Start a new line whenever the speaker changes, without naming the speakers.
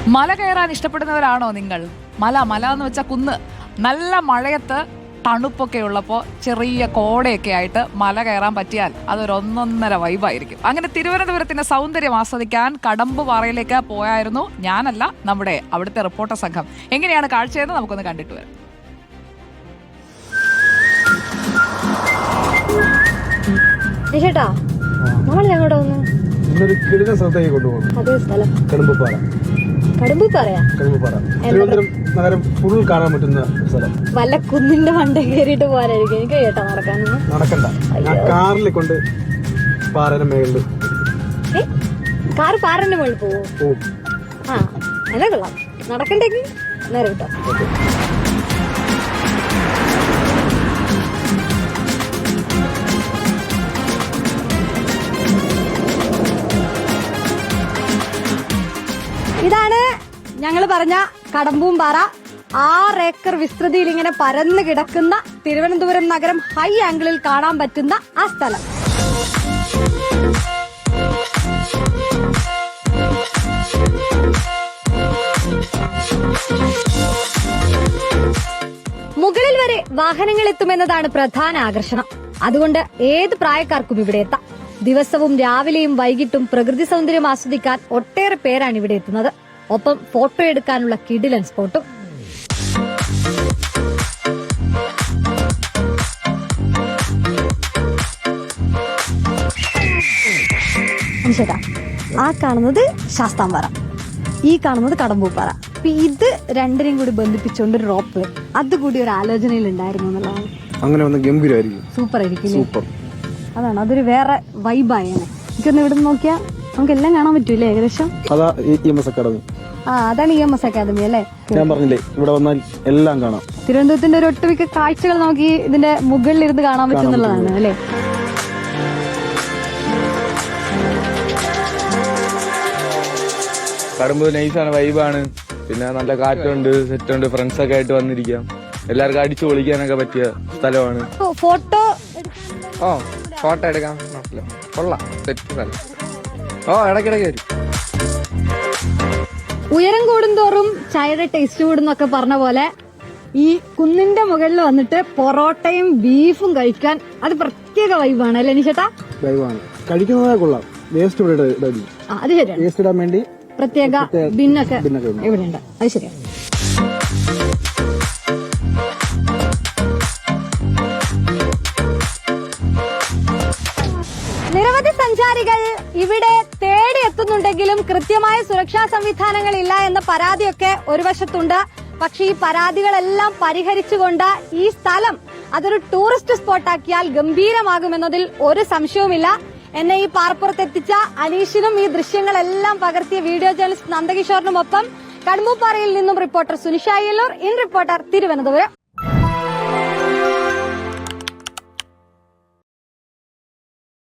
മല കയറാൻ ഇഷ്ടപ്പെടുന്നവരാണോ നിങ്ങൾ? മല എന്ന് വെച്ചാൽ കുന്ന്. നല്ല മഴയത്ത് തണുപ്പൊക്കെ ഉള്ളപ്പോൾ ചെറിയ കോടയൊക്കെ ആയിട്ട് മല കയറാൻ പറ്റിയാൽ അതൊരു ഒന്നൊന്നര വൈബായിരിക്കും. അങ്ങനെ തിരുവനന്തപുരത്തിന്റെ സൗന്ദര്യം ആസ്വദിക്കാൻ കടമ്പുപാറയിലേക്ക് പോയായിരുന്നു ഞാനല്ല, നമ്മുടെ അവിടുത്തെ റിപ്പോർട്ടർ സംഘം. എങ്ങനെയാണ് കാഴ്ചയെന്ന് നമുക്കൊന്ന് കണ്ടിട്ട് വരാം.
നമ്മൾ ഞങ്ങളുടെ തിരുവനന്തപുരം നഗരം ഫുൾ കാണാൻ പറ്റുന്ന സ്ഥലം.
വല്ല കുന്നിന്റെ മണ്ട കയറിയിട്ട് പോകാനായിരിക്കും എനിക്ക് കേട്ടോ.
നടക്കണ്ട, ഞാൻ കാറിൽ കൊണ്ട് പാറയുടെ മേളില്.
കാറ് പാറന്റെ മുകളിൽ പോവും. ആ എന്നാ കൊള്ളാം. നടക്കണ്ടെങ്കിൽ നേരെ കിട്ടാം. ഇതാണ് ഞങ്ങൾ പറഞ്ഞ കടമ്പൂമ്പാറ. 6 ഏക്കർ വിസ്തൃതിയിൽ ഇങ്ങനെ പരന്നു കിടക്കുന്ന തിരുവനന്തപുരം നഗരം ഹൈ ആംഗിളിൽ കാണാൻ പറ്റുന്ന ആ സ്ഥലം. മുകളിൽ വരെ വാഹനങ്ങൾ എത്തുമെന്നതാണ് പ്രധാന ആകർഷണം. അതുകൊണ്ട് ഏത് പ്രായക്കാർക്കും ഇവിടെ എത്താം. ദിവസവും രാവിലെയും വൈകിട്ടും പ്രകൃതി സൗന്ദര്യം ആസ്വദിക്കാൻ ഒട്ടേറെ പേരാണ് ഇവിടെ എത്തുന്നത്. ഒപ്പം ഫോട്ടോ എടുക്കാനുള്ള കിടിലൻ സ്പോട്ടും. ചേട്ടാ, ആ കാണുന്നത് ശാസ്താംപാറ, ഈ കാണുന്നത് കടമ്പൂപ്പാറ. ഇത് രണ്ടിനെയും കൂടി ബന്ധിപ്പിച്ചുകൊണ്ട് ഒരു റോപ്പ്, അതുകൂടി ഒരു ആലോചനയിൽ ഉണ്ടായിരുന്നു എന്നുള്ളതാണ്.
അങ്ങനെ ഒന്ന് ഗംഭീരമായിരിക്കും,
സൂപ്പർ ആയിരിക്കും.
സൂപ്പർ.
അതാണ്, അതൊരു വേറെ വൈബായേനെ. എനിക്കൊന്ന് ഇവിടെ നോക്കിയാൽ നമുക്ക് എല്ലാം കാണാൻ പറ്റൂലേ ഏകദേശം.
അതാ EMS അക്കാദമി.
അതാണ് EMS അക്കാദമി അല്ലേ?
ഞാൻ പറഞ്ഞില്ലേ, ഇവിടെ വന്നാൽ എല്ലാം കാണാം.
തിരുവനന്തപുരത്തിന്റെ ഒരു ഒട്ടുമിക്ക കാഴ്ചകൾ നമുക്ക് ഇതിന്റെ മുകളിൽ ഇരുന്ന് കാണാൻ പറ്റുന്നുള്ളതാണ് അല്ലേ?
കടമ്പ് നൈസാണ്, വൈബാണ്. പിന്നെ നല്ല കാറ്റുണ്ട്, സെറ്റുണ്ട്, ഫ്രണ്ട്സ് ഒക്കെ ആയിട്ട് വന്നിരിക്കാം. എല്ലാവർക്കും അടിച്ചു പൊളിക്കാനൊക്കെ പറ്റിയ സ്ഥലമാണ്. ഫോട്ടോ എടുക്കാൻ കൊള്ളാം, സെറ്റ് സ്ഥലം. ഇടയ്ക്കിടയ്ക്ക് വരും.
ഉയരം കൂടുന്തോറും ചായയുടെ ടേസ്റ്റ് കൂടുന്നൊക്കെ പറഞ്ഞ പോലെ ഈ കുന്നിന്റെ മുകളിൽ വന്നിട്ട് പൊറോട്ടയും ബീഫും കഴിക്കാൻ അത് പ്രത്യേക വൈബാണ് അല്ലേ നിഷേട്ടാ?
വൈബാണ്, കഴിക്കുന്നതേ കൊള്ളാം. വേസ്റ്റ് ഇവിടെ
അത് ശരിയാണ്,
വേസ്റ്റ് ഇടാൻ വേണ്ടി
പ്രത്യേക ബിന്നൊക്കെ ഇവിടെ ഉണ്ട്. അത് ശരിയാണ്. നിരവധി സഞ്ചാരികൾ ഇവിടെ തേടി എത്തുന്നുണ്ടെങ്കിലും കൃത്യമായ സുരക്ഷാ സംവിധാനങ്ങൾ ഇല്ല എന്ന പരാതിയൊക്കെ ഒരു വശത്തുണ്ട്. പക്ഷെ ഈ പരാതികളെല്ലാം പരിഹരിച്ചുകൊണ്ട് ഈ സ്ഥലം അതൊരു ടൂറിസ്റ്റ് സ്പോട്ടാക്കിയാൽ ഗംഭീരമാകുമെന്നതിൽ ഒരു സംശയവുമില്ല. എന്നെ ഈ പാറപ്പുറത്തെത്തിച്ച അനീഷിനും ഈ ദൃശ്യങ്ങളെല്ലാം പകർത്തിയ വീഡിയോ ജേർണലിസ്റ്റ് നന്ദകിഷോറിനുമൊപ്പം കടമ്പൂപ്പാറയിൽ നിന്നും reporter Sunisha Ayyallur, in reporter, Thiruvananthapuram.